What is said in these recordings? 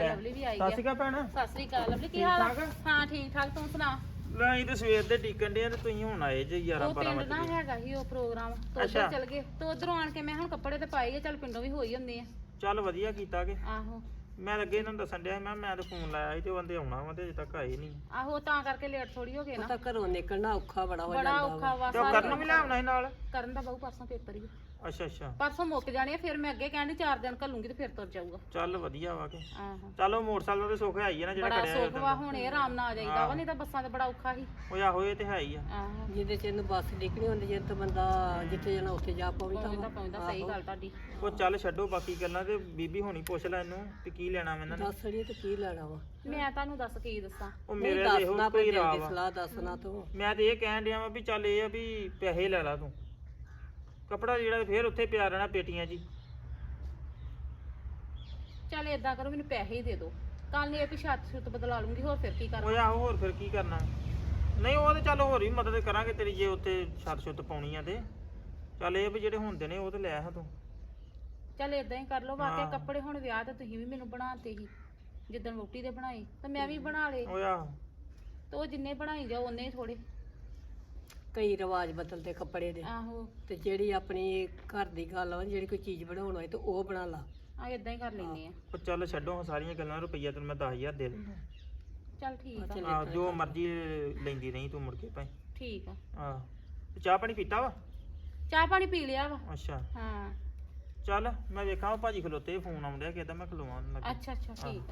Lovely ਵੀ ਆਈ ਗਿਆ। ਸਤਿ ਸ਼੍ਰੀ ਅਕਾਲ ਭੈਣ। ਸਤਿ ਸ੍ਰੀ ਅਕਾਲ ਲਵਲੀ, ਕੀ ਹਾਲ ਆ? ਹਾਂ ਠੀਕ ਠਾਕ, ਤੂੰ ਸੁਣਾ? ਲੈ ਅਸੀਂ ਤੇ ਸਵੇਰ ਦੇ ਟਿਕਣ ਦੇ ਤੇ ਤੁਸੀਂ ਹੁਣ ਆਏ ਜੇ 11 ਉਹ 12 ਪਿੰਡ ਨਾ ਵਜੇ। ਹੈਗਾ ਸੀ ਉਹ ਪ੍ਰੋਗਰਾਮ, ਤੋਂ ਅੱਛਾ। ਉੱਧਰ ਚਲ ਗਏ ਤੇ ਉਧਰੋਂ ਆਣ ਕੇ ਮੈਂ ਹੁਣ ਕੱਪੜੇ ਤੇ ਪਾਏ ਆ, ਚੱਲ ਪਿੰਡੋਂ ਵੀ ਹੋਈ ਹੁੰਦੇ ਆ। ਚੱਲ ਵਧੀਆ ਕੀਤਾ ਕਿ ਆਹੋ ਮੈਂ ਅੱਗੇ ਇਹਨਾਂ ਨੂੰ ਦੱਸਣ ਡਿਆ ਸੀ, ਮੈਂ ਤੇ ਫੋਨ ਲਾਇਆ ਸੀ ਤੇ ਉਹ ਬੰਦੇ ਆਉਣਾ ਵਾ ਤੇ ਅਜੇ ਤੱਕ ਆਏ ਨਹੀਂ। ਆਹੋ ਤਾਂ ਕਰਕੇ ਲੇਟ ਥੋੜੀ ਹੋ ਗਏ ਨਾ। ਤਾਂ ਘਰੋਂ ਨਿਕਲਣਾ ਔਖਾ ਬੜਾ ਹੋ ਬੜਾ ਜਾਂਦਾ ਔਖਾ ਵਾ। ਤੇ ਉਹ ਕਰਨ ਨੂੰ ਵੀ ਲਿਆਉਣਾ ਸੀ ਨਾਲ। ਕਰਨ ਦਾ ਬਹੁ ਪਰਸੋਂ ਪੇਪਰ ਹੀ ਅੱਛਾ ਅੱਛਾ। ਪਰਸੋਂ ਮੁੱਕ ਜਾਣੇ ਆ, ਫਿਰ ਮੈਂ ਅੱਗੇ ਕਹਿੰਦੀ 4 ਦਿਨ ਘੱਲੂਗੀ ਤੇ ਫਿਰ ਤੁਰ ਜਾਊਗਾ। ਚੱਲ ਵਧੀਆ ਵਾ ਕਿ ਆਹੋ ਚਲੋ ਮੋਟਰਸਾਈਕਲ ਦਾ ਤੇ ਸੁੱਖ ਹੈ ਹੀ ਆ ਨਾ ਜਿਹੜਾ ਬੜਾ ਖੜਿਆ ਸੁੱਖ ਵਾ, ਹੁਣ ਇਹ ਆਰਾਮ ਨਾਲ ਆ ਜਾਈਦਾ ਵਾ, ਨਹੀਂ ਤਾਂ ਬੱਸਾਂ ਤੇ ਬੜਾ ਔਖਾ ਸੀ। ਉਹ ਆਹੋ ਇਹ ਤੇ ਹੈ ਹੀ ਆ। ਆਹੋ ਜਿਹਦੇ ਚ ਇਹਨੂੰ ਬੱਸ ਨਿਕਲੀ ਹੁੰਦੀ ਜੇ ਤਾਂ ਬੰਦਾ ਜਿੱਥੇ ਜਾਣਾ ਉੱਥੇ ਜਾ ਪਹੁੰਚਦਾ ਪਹੁੰਚਦਾ ਸਹੀ ਗੱਲ ਤੁਹਾਡੀ। ਉਹ ਚੱਲ ਛੱਡੋ ਬਾਕੀ ਗੱਲਾਂ ਤੇ ਬੀਬੀ ਹੋਣੀ ਪੁੱਛ ਲੈ ਇਹਨੂੰ ਕਿ ਕੀ ਲੈਣਾ ਮੈਂ ਇਹਨਾਂ ਨੇ। ਦੱਸ ਅੜੀਏ ਤੇ ਕੀ ਲੈਣਾ ਵਾ ਮੈਂ ਤੁਹਾਨੂੰ ਦੱਸ ਕੀ ਦੱਸਾਂ। ਉਹ ਨਹੀਂ ਮੇਰੇ ਤੇ ਇਹੋ ਦੱਸਣਾ ਕੋਈ ਕੋਈ ਰਾਹ ਦੀ ਵਾ। ਸਲਾਹ ਦੱਸਣਾ ਤੂੰ ਮੈਂ ਤੇ ਇਹ ਕਹਿਣ ਡਿਆ ਵਾ ਵੀ ਚੱਲ ਇਹ ਆ ਵੀ ਪੈਸੇ ਲੈ ਲਾ ਤੂੰ, ਕੱਪੜਾ ਜਿਹੜਾ ਫੇਰ ਉੱਥੇ ਪਿਆ ਰਹਿਣਾ ਪੇਟੀਆਂ 'ਚ ਹੀ। ਚੱਲ ਏਦਾਂ ਕਰੋ, ਮੈਨੂੰ ਪੈਸੇ ਹੀ ਦੇ ਦਿਓ, ਕੱਲ ਨੂੰ ਇਹ ਵੀ ਛੱਤ ਛੁੱਤ ਬਦਲਾ ਲੂੰਗੀ, ਹੋਰ ਫਿਰ ਕੀ ਕਰਾਂ। ਉਹ ਆਹੋ ਹੋਰ ਫਿਰ ਕੀ ਕਰਨਾ। ਨਹੀਂ ਉਹ ਤੇ ਚੱਲ ਹੋਰ ਵੀ ਮਦਦ ਕਰਾਂਗੇ ਤੇਰੀ ਜੇ ਉੱਥੇ ਛੱਤ ਛੁੱਤ ਪਾਉਣੀ ਆ ਤੇ ਚੱਲ ਇਹ ਵੀ ਜਿਹੜੇ ਹੁੰਦੇ ਨੇ ਉਹ ਤੇ ਲੈ ਆ ਤੂੰ। ਚੱਲ ਏਦਾਂ ਹੀ ਕਰ ਲਓ। ਵਾਕਿਆ ਹਾਂ। ਕੱਪੜੇ ਹੁਣ ਵਿਆਹ ਤੇ ਤੁਸੀਂ ਵੀ ਮੈਨੂੰ ਬਣਾਤੇ ਸੀ, ਜਿੱਦਣ ਵੋਟੀ ਦੇ ਬਣਾਏ ਤੇ ਮੈਂ ਵੀ ਬਣਾ ਲਏ, ਉਹ ਆਹੋ ਤੇ ਉਹ ਜਿੰਨੇ ਬਣਾਈ ਜਾਓ ਉਹਨੇ ਹੀ ਥੋੜੇ। ਕਈ ਰਿਵਾਜ ਬਦਲਦੇ ਕੱਪੜੇ ਦੇ ਆਹੋ ਤੇ ਜਿਹੜੀ ਆਪਣੀ ਘਰ ਦੀ ਗੱਲ ਆ ਜਿਹੜੀ ਕੋਈ ਚੀਜ਼ ਬਣਾਉਣ ਹੋਏ ਤੇ ਉਹ ਬਣਾ ਲਾ। ਆ ਏਦਾਂ ਹੀ ਕਰ ਲੈਨੇ ਆ। ਉਹ ਚੱਲ ਛੱਡੋ ਹੁਣ ਸਾਰੀਆਂ ਗੱਲਾਂ, ਰੁਪਈਆ ਤੈਨੂੰ ਮੈਂ 10,000 ਦੇ ਦੂੰਗਾ। ਚੱਲ ਠੀਕ ਆ। ਚੱਲ ਆਹ ਜੋ ਮਰਜ਼ੀ ਲੈਂਦੀ ਰਹੀ ਤੂੰ ਮੁੜ ਕੇ ਭਾਈ। ਠੀਕ ਆ। ਆਹ ਤੇ ਚਾਹ ਪਾਣੀ ਪੀਤਾ ਵਾ? ਚਾਹ ਪਾਣੀ ਪੀ ਲਿਆ ਵਾ। ਅੱਛਾ ਹਾਂ ਚੱਲ ਮੈਂ ਵੇਖਾਂ ਉਹ ਭਾਜੀ ਖਲੋਤੇ ਫੋਨ ਆਉਂਦਿਆ ਕਿਦਾਂ ਮੈਂ ਖਲੋਵਾਂ ਉਹਨਾਂ ਲੱਗੇ। ਅੱਛਾ ਅੱਛਾ ਠੀਕ ਆ।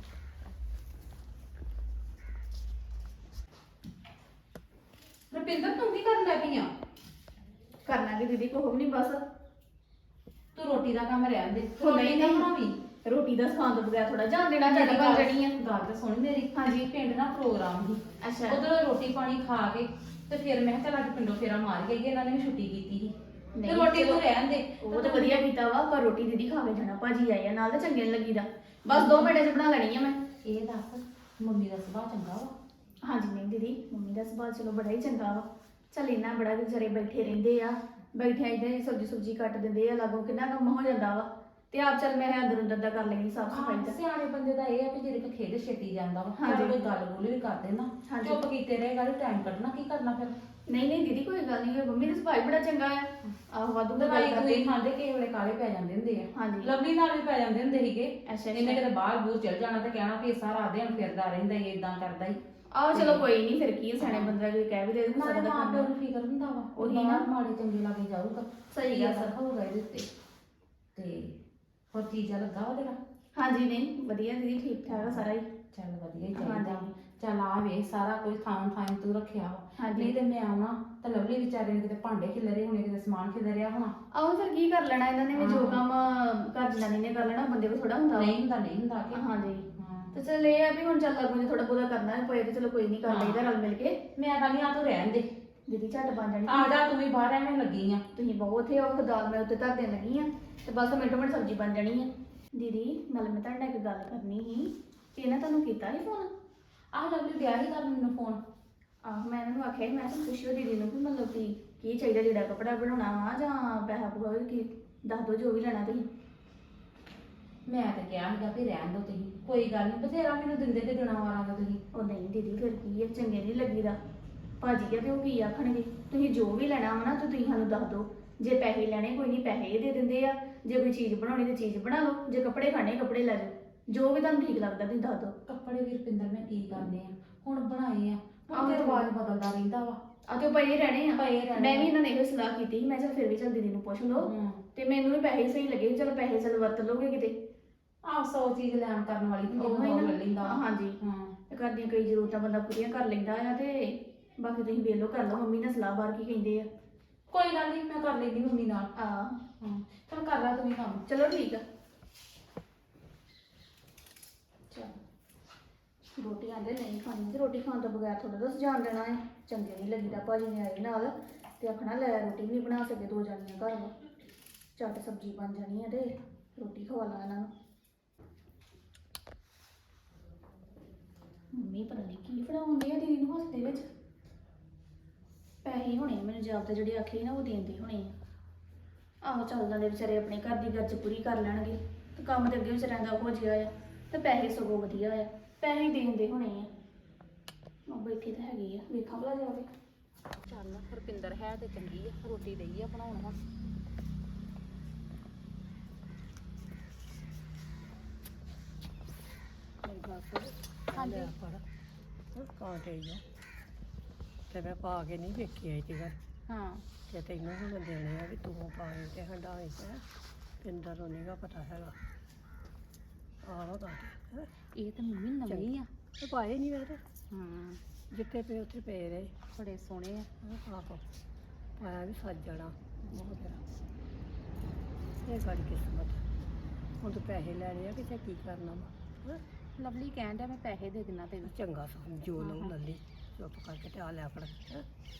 ਰੁਪਿੰਦਰ ਤੂੰ ਕੀ ਕਰਨ ਲੱਗੀ ਆ? ਕਰਨਾ ਕਿ ਦੀਦੀ ਕੋਹ ਨਹੀਂ ਬਸ ਤੂੰ ਰੋਟੀ ਦਾ ਕੰਮ ਰਹਿਣ ਦੇ, ਉਹ ਰੋਟੀ ਨਹੀਂ ਨਾ ਨਹੀਂ ਬਣਾਵੀਂ। ਰੋਟੀ ਦਾ ਸਵਾਦ ਤੋਂ ਬਗੈਰ ਥੋੜਾ ਜਾਣ ਦੇਣਾ ਚਾਹੀਦਾ ਬਣ ਜਣੀ ਆ। ਗੱਲ ਤਾਂ ਸੁਣ ਮੇਰੀ। ਹਾਂਜੀ। ਪਿੰਡ ਨਾ ਪ੍ਰੋਗਰਾਮ ਸੀ, ਅੱਛਾ ਉਧਰੋਂ ਰੋਟੀ ਪਾਣੀ ਖਾ ਕੇ ਤੇ ਫਿਰ ਮੈਂ ਕਿਹਾ ਚੱਲ ਅੱਜ ਪਿੰਡੋਂ ਫੇਰਾ ਮਾਰ ਕੇ ਆਈਏ, ਇਹਨਾਂ ਨੇ ਵੀ ਛੁੱਟੀ ਕੀਤੀ ਸੀ ਤੇ ਨਹੀਂ, ਰੋਟੀ ਚਲੋ। ਤੂੰ ਰਹਿਣ ਦੇ। ਉਹ ਤਾਂ ਵਧੀਆ ਕੀਤਾ ਵਾ, ਪਰ ਰੋਟੀ ਦੀਦੀ ਖਾ ਕੇ ਜਾਣਾ, ਭਾਜੀ ਆਏ ਆ ਨਾਲ ਤਾਂ ਚੰਗੇ ਨੀ ਲੱਗੀਦਾ। ਬਸ 2 ਮਿੰਟਾਂ 'ਚ ਬਣਾ ਲੈਣੀ ਆ ਮੈਂ। ਇਹ ਦੱਸ ਮੰਮੀ ਦਾ ਸੁਭਾਅ ਚੰਗਾ ਵਾ? ਹਾਂਜੀ ਨਹੀਂ ਦੀਦੀ, ਮੰਮੀ ਦਾ ਸੁਭਾਅ ਚਲੋ ਬੜਾ ਹੀ ਚੰਗਾ ਵਾ। ਚੱਲ ਇੰਨਾ ਬੜਾ ਵਿਚਾਰੇ ਬੈਠੇ ਰਹਿੰਦੇ ਆ, ਬੈਠਿਆਂ ਇਦਾਂ ਸਬਜ਼ੀ ਸੁਬਜ਼ੀ ਕੱਟ ਦਿੰਦੇ ਆ, ਲਾਗੋਂ ਕਿੰਨਾ ਕੰਮ ਹੋ ਜਾਂਦਾ ਵਾ। ਤੇ ਆਪ ਚੱਲ ਮੈਂ ਅੰਦਰ ਅੰਦਰ ਦਾ ਕਰ ਲੈਣੀ ਸਾਫ ਸਫਾਈ ਦਾ। ਸਿਆਣੇ ਬੰਦੇ ਦਾ ਇਹ ਆ ਵੀ ਜਿਹੜੇ ਕੋ ਖੇਡ ਛੇਤੀ ਜਾਂਦਾ ਵਾ, ਹਾਂਜੀ। ਜਦੋਂ ਕੋਈ ਗੱਲ ਬੋਲੀ ਵੀ ਕਰਦੇ ਨਾ ਹਾਂਜੀ। ਚੁੱਪ ਕੀਤੇ ਰਹੇਗਾ ਤੇ ਟਾਈਮ ਕੱਢਣਾ ਕੀ ਕਰਨਾ ਫਿਰ। ਨਹੀਂ ਨਹੀਂ ਦੀਦੀ ਕੋਈ ਗੱਲ ਨਹੀਂ, ਮੰਮੀ ਦਾ ਸੁਭਾਅ ਹੀ ਬੜਾ ਚੰਗਾ ਆ। ਆਹੋ ਵਾਧੂ ਦਾ ਦਵਾਈ ਗੱਲ ਦੂਈ ਕਰਦੇ। ਖਾਂਦੇ ਕਿਸੇ ਵੇਲੇ ਕਾਲੇ ਪੈ ਜਾਂਦੇ ਹੁੰਦੇ ਆ। ਹਾਂਜੀ। ਲਵਲੀ ਨਾਲ ਵੀ ਪੈ ਜਾਂਦੇ ਹੁੰਦੇ ਸੀਗੇ। ਅੱਛਾ, ਇਹਨੇ ਅੱਛਾ। ਕਿਤੇ ਬਾਹਰ ਬੂਰ ਚਲ ਜਾਣਾ ਤੇ ਕਹਿਣਾ ਵੀ ਇਹ ਸਾਰਾ ਦਿਨ ਫਿਰਦਾ ਰਹਿੰਦਾ ਹੀ ਇਦਾਂ ਕਰਦਾ ਹੀ। ਆਹੋ ਚਲੋ ਕੋਈ ਨਹੀਂ, ਫਿਰ ਕੀ ਆ, ਸਿਆਣੇ ਬੰਦਾ ਕੋਈ ਕਹਿ ਵੀ ਦੇ ਤਾਂ ਨਾਲੇ ਗੁੱਸਾ ਮਾਂ ਪਿਓ ਕਰਨਾ। ਨੂੰ ਫਿਕਰ ਹੁੰਦਾ ਵਾ, ਉਹੀ ਉਹੀ ਨਾ। ਨਾ ਮਾੜੇ ਚੰਗੇ ਲਾਗੇ ਜਾਊਗਾ। ਸਹੀ ਗੱਲ ਆ। ਸਭ ਹੋਊਗਾ ਇਹਦੇ ਉੱਤੇ। ਤੇ ਹੋਰ ਚੀਜ਼ਾਂ ਲੱਗਾ ਵਾ ਤੇਰਾ? ਹਾਂਜੀ ਨਹੀਂ ਵਧੀਆ ਦੀਦੀ, ਠੀਕ ਠਾਕ ਆ ਸਾਰਾ ਹੀ। ਚੱਲ ਵਧੀਆ ਹੀ ਚਾਹੀਦਾ। ਹਾਂਜੀ। ਚੱਲ ਆ ਵੇਖ ਸਾਰਾ ਕੁਝ ਥਾਂ ਥਾਂ ਤੂੰ ਰੱਖਿਆ ਵਾ। ਹਾਂਜੀ। ਨਹੀਂ ਤੇ ਮੈਂ ਆਉਣਾ ਤਾਂ ਲਵਲੀ ਵਿਚਾਰੇ ਨੇ ਕਿਤੇ ਭਾਂਡੇ ਖਿਲਰੇ ਹੋਣੇ, ਕਿਤੇ ਸਮਾਨ ਖਿਲਰਿਆ ਹੋਣਾ। ਆਹੋ ਫਿਰ ਕੀ ਕਰ ਲੈਣਾ ਇਹਨਾਂ ਨੇ ਵੀ, ਜੋ ਹਾਂ। ਕੰਮ ਘਰ ਜਨਾਨੀ ਨੇ ਕਰ ਲੈਣਾ, ਬੰਦੇ ਕੋਲ ਥੋੜਾ ਹੁੰਦਾ ਵਾ। ਨਹੀਂ ਹੁੰਦਾ ਨਹੀਂ ਹੁੰਦਾ ਕਿ ਹਾਂਜੀ ਹਾਂ। ਤੇ ਚਲ ਇਹ ਆ ਵੀ ਹੁਣ ਚੱਲ ਲੱਗੂ ਜੇ ਥੋੜਾ ਬਹੁਤਾ ਕਰਨਾ ਪਏ ਤੇ ਚਲੋ ਕੋਈ ਨਹੀਂ ਕਰ ਹਾਂ। ਲਈਦਾ ਰਲ ਮਿਲ ਕੇ। ਮੈਂ ਕਹਿੰਦੀ ਆ ਤੂੰ ਰਹਿਣ ਦੇ, ਦੀਦੀ ਝੱਟ ਬਣ ਜਾਣੀ। ਆ ਜਾ ਤੂੰ ਵੀ ਬਾਹਰ ਐਵੇਂ ਲੱਗੀ ਆ। ਤੁਸੀਂ ਬਹੁਤ ਉੱਥੇ ਉਹ ਦਾਲ ਮੈਂ ਉੱਤੇ ਧਰ ਦੇਣ ਲੱਗੀ ਆ ਤੇ ਬਸ ਮਿੰਟੋ ਮਿੰਟ ਸਬਜ਼ੀ ਬਣ ਜਾਣੀ ਆ। ਦੀਦੀ ਨਾਲ ਮੈਂ ਤੁਹਾਡੇ ਨਾਲ ਇੱਕ ਗੱਲ ਕਰਨੀ ਸੀ। ਇਹਨਾਂ ਤੁਹਾਨੂੰ ਕੀਤਾ ਸੀ ਫੋਨ? ਆਹ ਲਵਲੀ ਗਿਆ ਹੀ ਕਰਨ ਮੈਨੂੰ ਫੋਨ। ਆਹੋ ਮੈਂ ਇਹਨਾਂ ਨੂੰ ਆਖਿਆ ਸੀ, ਮੈਂ ਕਿਹਾ ਪੁੱਛਿਓ ਦੀਦੀ ਨੂੰ ਕਿ ਮਤਲਬ ਕੀ ਚਾਹੀਦਾ, ਜਿਹੜਾ ਕੱਪੜਾ ਬਣਾਉਣਾ ਵਾ ਜਾਂ ਪੈਸਾ ਪੂਰਾ ਕੀ ਦੱਸ ਦਿਓ, ਜੋ ਵੀ ਲੈਣਾ ਤੁਸੀਂ। ਮੈਂ ਤਾਂ ਕਿਹਾ ਸੀਗਾ ਵੀ ਰਹਿਣ ਦੋ ਤੁਸੀਂ, ਕੋਈ ਗੱਲ ਨਹੀਂ, ਬਥੇਰਾ ਮੈਨੂੰ ਦਿੰਦੇ ਤੇ ਦੇਣਾ ਵਾਰਾਂ ਦਾ ਤੁਸੀਂ। ਉਹ ਨਹੀਂ ਦੀਦੀ ਫਿਰ ਕੀ ਹੈ, ਚੰਗੇ ਨਹੀਂ ਲੱਗੀਦਾ। ਭਾਜੀ ਆ ਤੇ ਉਹ ਕੀ ਆਖਣਗੇ, ਤੁਸੀਂ ਜੋ ਵੀ ਲੈਣਾ ਵਾ ਨਾ ਤੇ ਤੁਸੀਂ ਸਾਨੂੰ ਦੱਸ ਦਿਓ। ਜੇ ਪੈਸੇ ਲੈਣੇ ਕੋਈ ਨਹੀਂ, ਪੈਸੇ ਇਹ ਦੇ ਦਿੰਦੇ ਆ। ਜੇ ਕੋਈ ਚੀਜ਼ ਬਣਾਉਣੀ ਤੇ ਚੀਜ਼ ਬਣਾ ਲਓ, ਜੇ ਕੱਪੜੇ ਖਾਣੇ ਕੱਪੜੇ ਲੈ ਜਾਓ, ਜੋ ਵੀ ਤੁਹਾਨੂੰ ਠੀਕ ਲੱਗਦਾ ਤੁਸੀਂ ਦੱਸ ਦਿਓ। ਕੱਪੜੇ ਵੀ ਰੁਪਿੰਦਰ ਮੈਂ ਕੀ ਕਰਨੇ ਆ, ਹੁਣ ਬਣਾਏ ਆ, ਆਹੋ ਹੁਣ ਤੇ ਤੇ ਰਿਵਾਜ ਬਦਲਦਾ ਰਹਿੰਦਾ ਵਾ। ਆ ਤੇ ਉਹ ਪਏ ਰਹਿਣੇ ਆ। ਪਏ ਰਹਿਣੇ ਮੈਂ ਵੀ ਆ। ਇਹਨਾਂ ਨੇ ਇਹੋ ਸਲਾਹ ਕੀਤੀ ਸੀ, ਮੈਂ ਚਲ ਫਿਰ ਵੀ ਚੱਲ ਦੀਦੀ ਨੂੰ ਪੁੱਛ ਲਓ। ਤੇ ਮੈਨੂੰ ਵੀ ਪੈਸੇ ਸਹੀ ਲੱਗੇ, ਚਲ ਪੈਸੇ ਚਲ ਵਰਤ ਲਓਗੇ ਕਿਤੇ। ਆਹ 100 ਚੀਜ਼ ਲੈਣ ਕਰਨ ਵਾਲੀ ਹੁੰਦੀ ਉਹੀ ਉਹ ਨਾ। ਲੈ ਲੈਂਦਾ। ਹਾਂਜੀ। ਹਾਂ ਤੇ ਘਰ ਦੀਆਂ ਕਈ ਜ਼ਰੂਰਤਾਂ ਬੰਦਾ ਪੂਰੀਆਂ ਕਰ ਲੈਂਦਾ ਆ। ਤੇ ਬਾਕੀ ਤੁਸੀਂ ਵੇਖ ਲਓ, ਕਰ ਲਓ ਮੰਮੀ ਨਾਲ ਸਲਾਹ, ਬਾਹਰ ਕੀ ਕਹਿੰਦੇ ਆ। ਕੋਈ ਗੱਲ ਨਹੀਂ, ਮੈਂ ਕਰ ਲੈਂਦੀ ਮੰਮੀ ਨਾਲ। ਆ ਹਾਂ ਚਲ ਕਰ ਲੈ ਤੂੰ ਵੀ ਕੰਮ। ਚਲੋ ਠੀਕ ਆ। ਰੋਟੀ ਆਂਦੇ ਨਹੀਂ ਖਾਣੀ ਤੇ ਰੋਟੀ ਖਾਣ ਤੋਂ ਬਗੈਰ ਥੋੜਾ ਦੱਸ ਜਾਣ ਦੇਣਾ ਹੈ। ਚੰਗੇ ਨਹੀਂ ਲੱਗੀਦਾ। ਭਾਜੀ ਨੇ ਆਏ ਨਾਲ ਤੇ ਆਖਣਾ ਲੈ ਰੋਟੀ ਵੀ ਨਹੀਂ ਬਣਾ ਸਕੇ, 2 ਜਾਣੀਆਂ ਘਰ ਵਾ, ਝੱਟ ਸਬਜ਼ੀ ਬਣ ਜਾਣੀ ਹੈ ਤੇ ਰੋਟੀ ਖਵਾ ਲਾ ਇਹਨਾਂ ਨੂੰ। ਮੰਮੀ ਪਤਾ ਨਹੀਂ ਕੀ ਫੜਾਉਂਦੇ ਆ ਦੀਦੀ ਨੂੰ ਹੱਥ ਦੇ ਵਿੱਚ। ਪੈਸੇ ਹੋਣੇ ਮੈਨੂੰ ਜਾਬ ਤੇ ਜਿਹੜੇ ਆਖੇ ਨਾ ਉਹ ਦੇਂਦੇ ਹੋਣੇ ਆ। ਆਹੋ ਚੱਲਦਾ ਦੇ ਵਿਚਾਰੇ ਆਪਣੇ ਘਰ ਦੀ ਗਰਜ ਪੂਰੀ ਕਰ ਲੈਣਗੇ ਤੇ ਕੰਮ ਤੇ ਅੱਗੇ ਵਿਚਾਰਿਆਂ ਦਾ ਹੋ ਜਿਆ ਆ। ਤੇ ਪੈਸੇ ਸਗੋਂ ਵਧੀਆ ਆ, ਪੈਸੇ ਦੇਂਦੇ ਹੋਣੇ ਆ। ਉਹ ਬੈਠੀ ਤਾਂ ਹੈਗੀ ਆ, ਵੇਖਾਂ ਭਲਾ ਜਾ ਕੇ। ਚੱਲ ਰੁਪਿੰਦਰ ਹੈ ਤੇ ਚੰਗੀ ਆ, ਰੋਟੀ ਦਈ ਆ ਬਣਾਉਣ ਹੁਣ। ਮੇਰੀ ਗੱਲ ਸੁਣ ਹਾਂਜੀ। ਲੈ ਫੜ ਕਾਂਟੇ ਆ ਤੇ ਮੈਂ ਪਾ ਕੇ ਨਹੀਂ ਵੇਖੀ ਆਈ ਤੇ ਘਰ ਹਾਂ ਤੇ ਤੈਨੂੰ ਹੁਣ ਦੇਣੇ ਆ ਵੀ ਤੂੰ ਪਾਏ ਤੇ ਹੰਡਾਏ ਤੇ ਪਿੰਦਰ ਨੂੰ ਨੀਗਾ ਪਤਾ ਹੈਗਾ ਆਹੋ ਕਾਂਟੇ ਹੈਂ। ਇਹ ਤਾਂ ਮੰਮੀ ਨਵੀਂ ਆ। ਤੇ ਪਾਏ ਨਹੀਂ ਵੇਖ ਹਾਂ ਜਿੱਥੇ ਪਏ ਉੱਥੇ ਪਏ ਰਹੇ ਬੜੇ ਸੋਹਣੇ ਆ। ਆਹੋ ਪਾਇਆ ਵੀ ਸੱਜ ਜਾਣਾ ਬਹੁਤ ਤੇਰਾ ਇਹ ਸਾਡੀ ਕਿਸਮਤ ਹੁਣ ਤੂੰ ਪੈਸੇ ਲੈ ਲਿਆ ਕਿਤੇ ਕੀ ਕਰਨਾ ਵਾ ਹੈਂ। ਲਵਲੀ ਕਹਿਣ ਡਿਆ ਮੈਂ ਪੈਸੇ ਦੇ ਦਿਨਾ ਤੈਨੂੰ। ਚੰਗਾ ਸਮਝੋ ਲਓ ਹਾਂ। ਲੱਲੀ ਚੁੱਪ ਕਰਕੇ ਤੇ ਆ ਲੈ ਫੜ ਹੈਂ।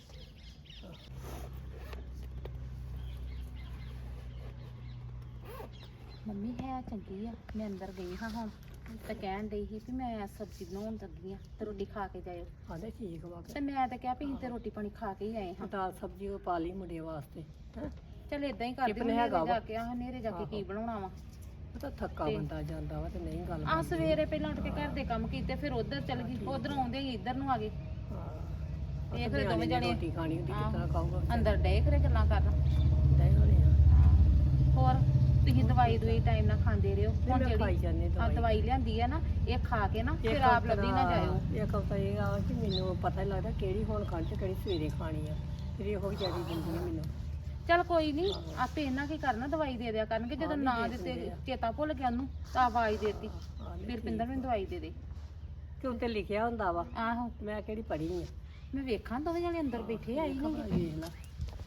ਮੰਮੀ ਹੈ ਚੰਗੀ ਆ। ਮੈਂ ਅੰਦਰ ਗਈ ਹਾਂ ਹੁਣ ਤੇ ਕਹਿਣ ਡਈ ਸੀ ਵੀ ਮੈਂ ਸਬਜ਼ੀ ਬਣਾਉਣ ਲੱਗੀ ਆ ਤੇ ਰੋਟੀ ਖਾ ਕੇ ਜਾਇਓ। ਆਂਦੇ ਠੀਕ ਵਾ ਤੇ ਮੈਂ ਤਾਂ ਕਿਹਾ ਵੀ ਅਸੀਂ ਤੇ ਰੋਟੀ ਪਾਣੀ ਖਾ ਕੇ ਹੀ ਆਏ ਹਾਂ। ਦਾਲ ਸਬਜ਼ੀ ਉਹ ਪਾ ਲਈ ਮੁੰਡੇ ਵਾਸਤੇ ਹੈਂ। ਚੱਲ ਇਦਾਂ ਹੀ ਕਰਦੀ ਟਿਫਨ ਹੁੰਦੀ ਹੈਗਾ ਆ, ਵਾ। ਜਾ ਕੇ ਹਨੇਰੇ ਜਾ ਕੇ ਕੀ ਬਣਾਉਣਾ ਵਾ। ਉਹ ਤਾਂ ਥੱਕਾ ਤੇ- ਬੰਦਾ ਜਾਂਦਾ ਵਾ ਤੇ ਨਹੀਂ ਗੱਲ ਆ ਬਣਦੀ। ਸਵੇਰੇ ਪਹਿਲਾਂ ਉੱਠ ਕੇ ਘਰ ਦੇ ਕੰਮ ਕੀਤੇ ਫਿਰ ਉਧਰ ਚੱਲ ਗਈ, ਉਧਰੋਂ ਆਉਂਦੇ ਹੀ ਇੱਧਰ ਨੂੰ ਆ ਗਏ। ਹਾਂ ਇਹ ਫਿਰ ਦੋਵੇਂ ਜਣੇ ਰੋਟੀ ਖਾਣੀ ਹੁੰਦੀ ਆਹੋ। ਕਿਸ ਤਰ੍ਹਾਂ ਖਾਊਗਾ ਵਿਚਾਰਾ? ਅੰਦਰ ਡੇ ਖਰੇ ਗੱਲਾਂ ਕਰਨ। ਡੇ ਹੋਣੇ ਆ ਹੋਰ ਤੁਸੀਂ ਦਵਾਈ ਟਾਈਮ ਨਾਲ ਖਾਂਦੇ ਰਹੋ। ਹੁਣ ਮੈਂ ਖਾਈ ਜਿਹੜੀ ਜਾਂਦੀ ਆ ਦਵਾਈ ਲਿਆਂਦੀ ਆ ਨਾ, ਇਹ ਖਾ ਕੇ ਨਾ ਫਿਰ ਆਪ ਲੱਭੀ ਨਾ ਜਾਇਓ। ਇੱਕ ਹਫ਼ਤਾ ਇਹ ਆ ਕਿ ਮੈਨੂੰ ਪਤਾ ਹੀ ਲੱਗਦਾ ਕਿਹੜੀ ਹੁਣ ਖਾਣੀ ਤੇ ਕਿਹੜੀ ਸਵੇਰੇ ਖਾਣੀ ਆ ਫਿਰ ਇਹੋ ਵਿਚਾਰੀ ਦਿੰਦੀ ਆ ਮੈਨੂੰ ਚੱਲ ਕੋਈ ਨਹੀਂ, ਆਪੇ ਇਹਨਾਂ ਕੀ ਕਰਨਾ, ਦਵਾਈ ਦੇ ਦਿਆ ਕਰਨਗੇ। ਜਦੋਂ ਨਾ ਦਿੱਤੇ ਚੇਤਾ ਭੁੱਲ ਗਿਆ ਉਹਨੂੰ ਤਾਂ ਆਵਾਜ਼ ਦੇਤੀ ਫਿਰ ਪਿੰਦਰ ਮੈਨੂੰ ਦਵਾਈ ਦੇ ਦੇ। ਕਿ ਉੱਤੇ ਲਿਖਿਆ ਹੁੰਦਾ ਵਾ ਆਹੋ ਮੈਂ ਕਿਹੜੀ ਪੜ੍ਹੀ ਆ ਮੈਂ ਵੇਖਾਂ ਦੋਵੇਂ ਜਣੇ ਅੰਦਰ ਬੈਠੇ ਆਈ ਨਹੀਂ। ਵੇਖ ਲਾ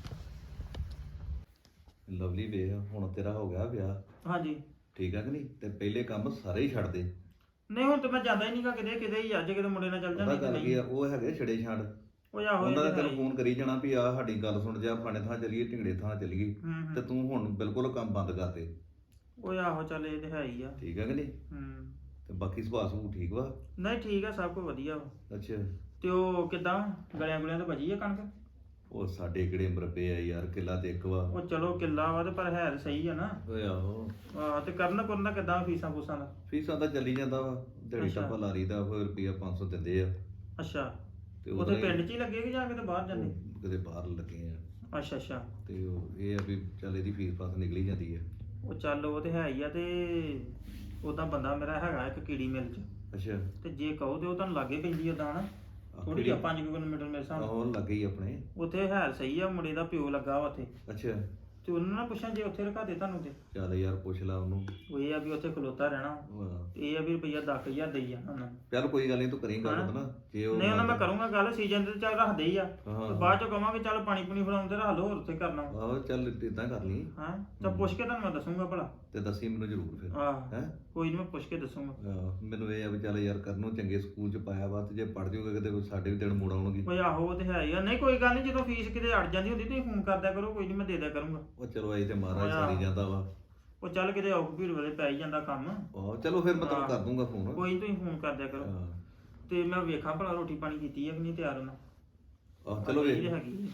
ਲਵਲੀ ਵੇਖ ਹੁਣ ਤੇਰਾ ਹੋ ਗਿਆ ਵਿਆਹ ਹਾਂਜੀ ਠੀਕ ਆ ਕਿ ਨਹੀਂ ਤੇ ਪਹਿਲੇ ਕੰਮ ਸਾਰੇ ਹੀ ਛੱਡ ਦੇ। ਨਹੀਂ ਹੁਣ ਤੇ ਮੈਂ ਜਾਂਦਾ ਹੀ ਨਹੀਂਗਾ ਕਿਤੇ ਹੀ ਅੱਜ ਕਿਤੇ ਮੁੰਡੇ ਨਾਲ ਚੱਲ ਉਹਦਾ ਜਾਂਦੀ ਗੱਲ ਕੀ ਆ ਉਹ ਹੈਗੇ ਛੜੇ ਛੱਡ ਉਹ ਆਹੋ ਉਹਨਾਂ ਨੇ ਤੈਨੂੰ ਫੋਨ ਕਰੀ ਜਾਣਾ ਵੀ ਆ ਸਾਡੀ ਗੱਲ ਸੁਣ ਜਾ ਫਾਣੇ ਥਾਂ ਚੱਲੀਏ ਢਿੰਗੜੇ ਥਾਂ ਚੱਲੀਏ ਤੇ ਤੂੰ ਹੁਣ ਬਿਲਕੁਲ ਕੰਮ ਬੰਦ ਕਰ ਦੇ। ਉਹ ਆਹੋ ਚੱਲ ਇਹ ਤੇ ਹੈ ਹੀ ਆ। ਠੀਕ ਆ ਕਿ ਨਹੀਂ ਤੇ ਬਾਕੀ ਸੁਭਾਅ ਸੁਭੂ ਠੀਕ ਵਾ? ਨਹੀਂ ਠੀਕ ਆ, ਸਭ ਕੁਝ ਵਧੀਆ ਵਾ। ਅੱਛਾ ਤੇ ਉਹ ਕਿਦਾਂ ਗਲਿਆਂ ਗੁਲਿਆਂ ਤੋਂ ਬਚੀ ਆ ਕਣਕ? ਉਹ ਸਾਡੇ ਕਿਹੜੇ ਮਰਬੇ ਆ ਯਾਰ ਕਿੱਲਾ ਤੇ ਇੱਕ ਵਾ। ਉਹ ਚਲੋ ਕਿੱਲਾ ਵਾ ਤੇ ਪਰ ਹੈ ਤਾਂ ਸਹੀ ਆ ਨਾ। ਓਏ ਆਹੋ ਆਹ ਤੇ ਕਰਨ ਦਾ ਕਿਦਾਂ ਫੀਸਾਂ ਫੂਸਾਂ ਦਾ? ਫੀਸਾਂ ਤਾਂ ਚੱਲੀ ਜਾਂਦਾ ਵਾ ਦਿਹਾੜੀ ਅੱਛਾ। ਟੱਪਾ ਲਾਰੀ ਦਾ ਫਿਰ ਰੁਪਈਆ 500 ਦਿੰਦੇ ਆ ਅੱਛਾ ਤੇ ਉੱਥੇ ਪਿੰਡ 'ਚ ਹੀ ਲੱਗੇ ਕਿ ਜਾ ਕੇ ਤੇ ਬਾਹਰ ਜਾਂਦੇ? ਉਹ ਕਿਤੇ ਬਾਹਰ ਲੱਗੇ ਆ ਅੱਛਾ ਅੱਛਾ ਤੇ ਉਹ ਇਹ ਆ ਵੀ ਚੱਲ ਇਹਦੀ ਫੀਸ ਫਾਸ ਨਿਕਲੀ ਜਾਂਦੀ ਆ। ਉਹ ਚੱਲ ਉਹ ਤੇ ਹੈ ਹੀ ਆ। ਤੇ ਉਦਾਂ ਬੰਦਾ ਮੇਰਾ ਹੈਗਾ ਇੱਕ ਕੀੜੀ ਮਿਲ 'ਚ ਅੱਛਾ ਤੇ ਜੇ ਕਹੋ ਤੇ ਉਹ ਤੁਹਾਨੂੰ ਲਾਗੇ ਪੈਂਦੀ ਉਦਾਂ ਨਾ ਥੋੜੀ 5 ਕਿਲੋਮੀਟਰ ਮੇਰੇ ਹਿਸਾਬ ਨਾਲ। ਉਹ ਲੱਗੇ ਹੀ ਆਪਣੇ। ਉੱਥੇ ਹੈ ਸਹੀ ਆ, ਮੁੰਡੇ ਦਾ ਪਿਓ ਲੱਗਾ ਵਾ ਉੱਥੇ ਅੱਛਾ ਤੇ ਉਹਨਾਂ ਨਾਲ ਪੁੱਛਾਂ ਜੇ ਉੱਥੇ ਰਖਾ ਦੇ ਤੁਹਾਨੂੰ ਤੇ ਚੱਲ ਯਾਰ ਪੁੱਛ ਲਾ ਉਹਨੂੰ। ਉਹ ਇਹ ਆ ਵੀ ਉੱਥੇ ਖਲੋਤਾ ਰਹਿਣਾ ਹਾਂ। ਤੇ ਇਹ ਆ ਵੀ ਰੁਪਈਆ 10,000 ਦੇਈ ਜਾਣਾ ਉਹਨਾਂ ਨੂੰ। ਚੱਲ ਕੋਈ ਗੱਲ ਨਹੀਂ ਤੂੰ ਕਰੀਂ ਗੱਲ ਹਾਂ। ਉਹਦੇ ਨਾਲ ਜੇ ਉਹ ਨਹੀਂ ਉਹਨਾਂ ਮੈਂ ਕਰੂੰਗਾ ਗੱਲ, ਸੀਜ਼ਨ ਤੇ ਚੱਲ ਰੱਖਦੇ ਹੀ ਆ ਹਾਂ। ਤੇ ਬਾਅਦ ਚੋਂ ਕਵਾਂਗੇ ਚੱਲ ਪਾਣੀ ਪੂਣੀ ਫੜਾਉਣ ਤੇ ਰੱਖ ਲਓ, ਹੋਰ ਉੱਥੇ ਕਰਨਾ ਆਹੋ ਚੱਲ ਇਦਾਂ ਕਰ ਲਈ ਹਾਂ। ਤਾਂ ਪੁੱਛ ਕੇ ਤੁਹਾਨੂੰ ਮੈਂ ਦੱਸੂਗਾ ਭਲਾ। ਤੇ ਦੱਸੀ ਮੈਨੂੰ ਜ਼ਰੂਰ ਫਿਰ ਆਹ ਹੈ। ਕੋਈ ਨਹੀਂ ਮੈਂ ਪੁੱਛ ਕੇ ਦੱਸੂਗਾ। ਮੈਨੂੰ ਇਹ ਆ ਵੀ ਚੱਲ ਯਾਰ ਕਰਨ ਨੂੰ ਚੰਗੇ ਸਕੂਲ ਚ ਪਾਇਆ ਵਾ ਤੇ ਜੇ ਪੜ ਜਾਊਗਾ ਕਿਤੇ ਸਾਡੇ ਵੀ ਦਿਨ ਮੋੜ ਆਉਣਗੇ। ਓਏ ਆਹੋ ਉਹ ਤੇ ਹੈ ਹੀ ਆ। ਨਹੀਂ ਕੋਈ ਗੱਲ ਨਹੀਂ, ਜਦੋਂ ਫੀਸ ਕਿਤੇ ਅੜ ਜਾਂਦੀ ਹੁੰਦੀ ਤੁਸੀਂ ਫੋਨ ਕਰਦਿਆ ਕਰੋ, ਕੋਈ ਨਹੀਂ ਮੈਂ ਦੇ ਦਿਆ ਕਰੂੰਗਾ। ਉਹ ਚਲੋ ਆਈ ਤੇ ਮਹਾਰਾਜ ਹਾਂ। ਸਾਰੀ ਜਾਂਦਾ ਵਾ। ਉਹ ਚੱਲ ਕਿਤੇ ਔਖ ਭੀੜ ਵੇਲੇ ਪੈ ਹੀ ਜਾਂਦਾ ਕੰਮ। ਆਹੋ ਚਲੋ ਫਿਰ ਮੈਂ ਤੈਨੂੰ ਹਾਂ। ਕਰ ਦੂੰਗਾ ਫੋਨ। ਕੋਈ ਨੀ ਤੁਸੀਂ ਫੋਨ ਕਰਦਿਆ ਕਰੋ। ਹਾਂ। ਤੇ ਮੈਂ ਵੇਖਾਂ ਭਲਾ ਰੋਟੀ ਪਾਣੀ ਕੀਤੀ ਹੈ ਕਿ ਨਹੀਂ ਤਿਆਰ ਉਹਨਾਂ। ਆਹ ਚਲੋ ਇਹ ਵੇਖ ਹੈਗੀ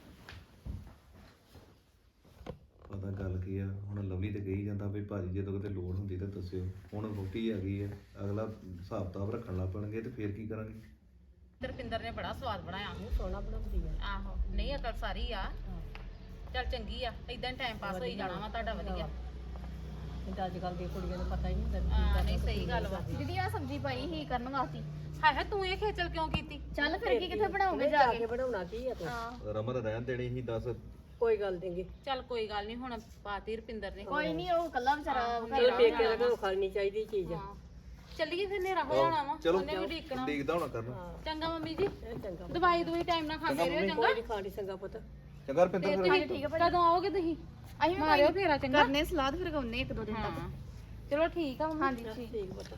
ਪਤਾ ਗੱਲ ਕੀ ਆ ਹੁਣ ਲਵਲੀ ਤੇ ਕਹੀ ਜਾਂਦਾ ਵੀ ਭਾਜੀ ਜਦੋਂ ਕਿਤੇ ਲੋੜ ਹੁੰਦੀ ਤਾਂ ਦੱਸਿਓ। ਹੁਣ ਰੋਟੀ ਆ ਗਈ ਆ ਅਗਲਾ ਹਿਸਾਬ ਕਿਤਾਬ ਰੱਖਣ ਲੱਗ ਪੈਣਗੇ ਤੇ ਫੇਰ ਕੀ ਕਰਾਂਗੇ। ਰੁਪਿੰਦਰ ਨੇ ਬੜਾ ਸਵਾਦ ਬਣਾਇਆ। ਸੋਹਣਾ ਬਣਾਉਂਦੀ ਆ ਆਹੋ ਨਹੀਂ ਅਕਲ ਸਾਰੀ ਆ। ਚੱਲ ਚੰਗੀ ਆ, ਇਦਾਂ ਟਾਈਮ ਪਾਸ ਹੋਈ ਜਾਣਾ ਵਾ ਤੁਹਾਡਾ ਵਧੀਆ। ਤੇ ਅੱਜ ਕੱਲ ਦੀਆਂ ਕੁੜੀਆਂ ਨੂੰ ਪਤਾ ਹੀ ਨਹੀਂ ਹੁੰਦਾ ਵੀ ਕੀ ਹਾਂ ਕਰਨਾ ਨਹੀਂ ਤੇ ਸਹੀ ਕੀ ਗੱਲ ਵਾ। ਦੀਦੀ ਆ ਸਬਜ਼ੀ ਪਾਈ ਹੀ ਕਰਨ ਵਾਸਤੇ। ਹਾਏ ਹਾਏ ਤੂੰ ਇਹ ਖੇਚਲ ਕਿਉਂ ਕੀਤੀ? ਚੱਲ ਫਿਰ ਕੀ ਕਿੱਥੇ ਬਣਾਉਂਗੇ ਨਹੀਂ, ਜਾ ਕੇ? ਬਣਾਉਣਾ ਕੀ ਆ ਤੂੰ ਹਾਂ ਰਮਨ ਰਹਿਣ ਦੇਣੀ ਸੀ ਦੱਸ। ਕੋਈ ਗੱਲ ਨਹੀਂ ਚੱਲ ਕੋਈ ਗੱਲ ਨਹੀਂ, ਹੁਣ ਪਾਤੀ ਰੁਪਿੰਦਰ ਨੇ। ਕੋਈ ਨਹੀਂ, ਉਹ ਕੱਲਾ ਵਿਚਾਰਾ ਚਲ ਪੇਕੇ ਦਾ ਘਰੋਂ ਖਾਣੀ ਚਾਹੀਦੀ ਚੀਜ਼ ਹਾਂ ਚੱਲੀਏ ਫਿਰ ਹਨੇਰਾ ਹੋ ਜਾਣਾ ਵਾ, ਚਲੋ ਉਹਨੇ ਵੀ ਢੀਕਣਾ। ਦੇਖਦਾ ਹੋਣਾ ਕਰਨਾ। ਚੰਗਾ ਮੰਮੀ ਜੀ, ਇਹ ਚੰਗਾ ਦਵਾਈ ਟਾਈਮ ਨਾਲ ਖਾਂਦੇ ਰਹੋ ਚੰਗਾ। ਕੋਈ ਨਹੀਂ ਖਾਣੀ ਚੰਗਾ ਪੁੱਤ। ਚੰਗਾ ਰਪਿੰਦਰ ਫਿਰ ਤੁਸੀਂ ਠੀਕ ਆ ਕਦੋਂ ਆਓਗੇ ਤੁਸੀਂ? ਅਸੀਂ ਵੀ ਮਾਰਿਓ ਫੇਰਾ ਚੰਗਾ। ਕਰਨੇ ਸਲਾਦ ਫਿਰ ਗਾਉਨੇ ਇੱਕ ਦੋ ਦਿਨ ਤੱਕ। ਹਾਂ ਚਲੋ ਠੀਕ ਆ ਮੰਮੀ। ਹਾਂਜੀ ਠੀਕ। ਠੀਕ ਪੁੱਤ।